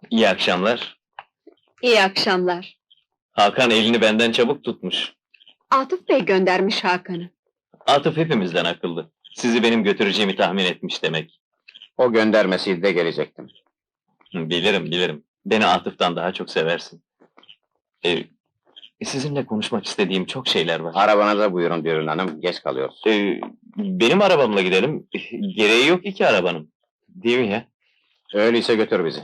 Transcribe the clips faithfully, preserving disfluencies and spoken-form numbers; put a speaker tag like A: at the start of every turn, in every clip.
A: İyi akşamlar.
B: İyi akşamlar.
A: Hakan elini benden çabuk tutmuş.
B: Atıf Bey göndermiş Hakan'ı.
A: Atıf hepimizden akıllı. Sizi benim götüreceğimi tahmin etmiş demek.
C: O göndermesiydi de gelecektim.
A: Hı, Bilirim, bilirim. Beni Atıf'tan daha çok seversin. Ee, sizinle konuşmak istediğim çok şeyler var.
C: Arabanıza buyurun Dürün Hanım, geç kalıyoruz.
A: Ee, benim arabamla gidelim. Gereği yok iki arabanın. Değil mi ya?
C: Öyleyse götür bizi.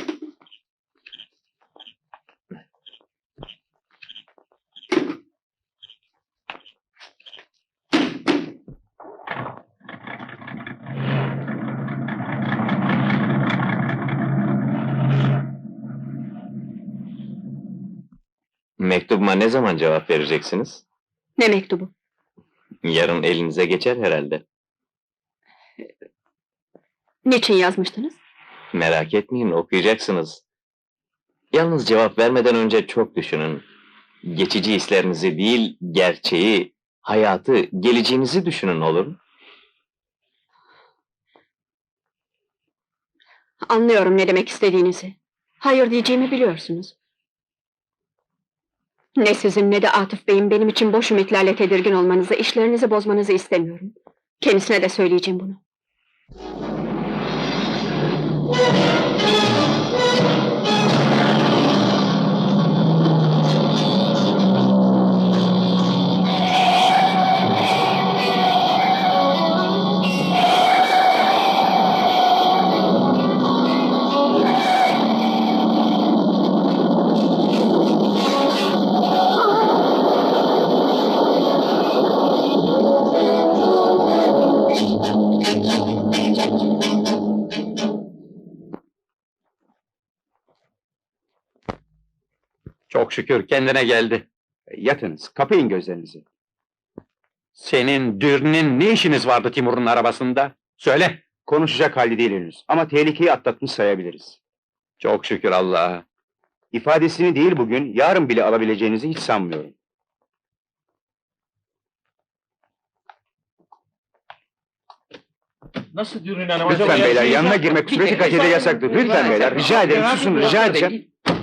A: Mektubuma ne zaman cevap vereceksiniz?
B: Ne mektubu?
A: Yarın elinize geçer herhalde.
B: Niçin yazmıştınız?
A: Merak etmeyin, okuyacaksınız. Yalnız cevap vermeden önce çok düşünün. Geçici hislerinizi değil, gerçeği, hayatı, geleceğinizi düşünün olur mu?
B: Anlıyorum ne demek istediğinizi. Hayır diyeceğimi biliyorsunuz. Ne sizin ne de Atıf Bey'in benim için boş ümitlerle tedirgin olmanızı, işlerinizi bozmanızı istemiyorum. Kendisine de söyleyeceğim bunu.
D: Çok şükür kendine geldi.
E: Yatınız, kapayın gözlerinizi.
D: Senin, Dürn'ün ne işiniz vardı Timur'un arabasında? Söyle!
E: Konuşacak hali değil henüz ama tehlikeyi atlatmış sayabiliriz.
D: Çok şükür Allah'a.
E: İfadesini değil bugün, yarın bile alabileceğinizi hiç sanmıyorum.
F: Nasıl Dürün Hanım?
E: Lütfen beyler, yanına girmek süreci kaçede yasaktır. Lütfen beyler, rica ederim, susun, rica edeceğim.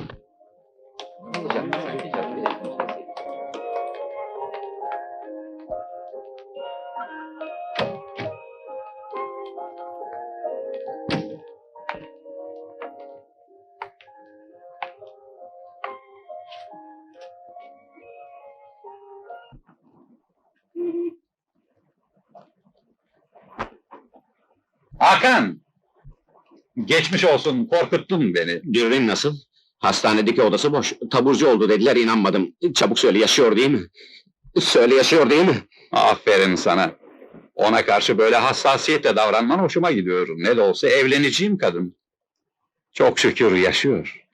D: Hakan! Geçmiş olsun, korkuttun beni.
C: Dürün nasıl? Hastanedeki odası boş. Taburcu oldu dediler, inanmadım. Çabuk söyle, yaşıyor değil mi? Söyle, yaşıyor değil mi?
D: Aferin sana. Ona karşı böyle hassasiyetle davranman hoşuma gidiyor. Ne de olsa evleneceğim kadın. Çok şükür yaşıyor.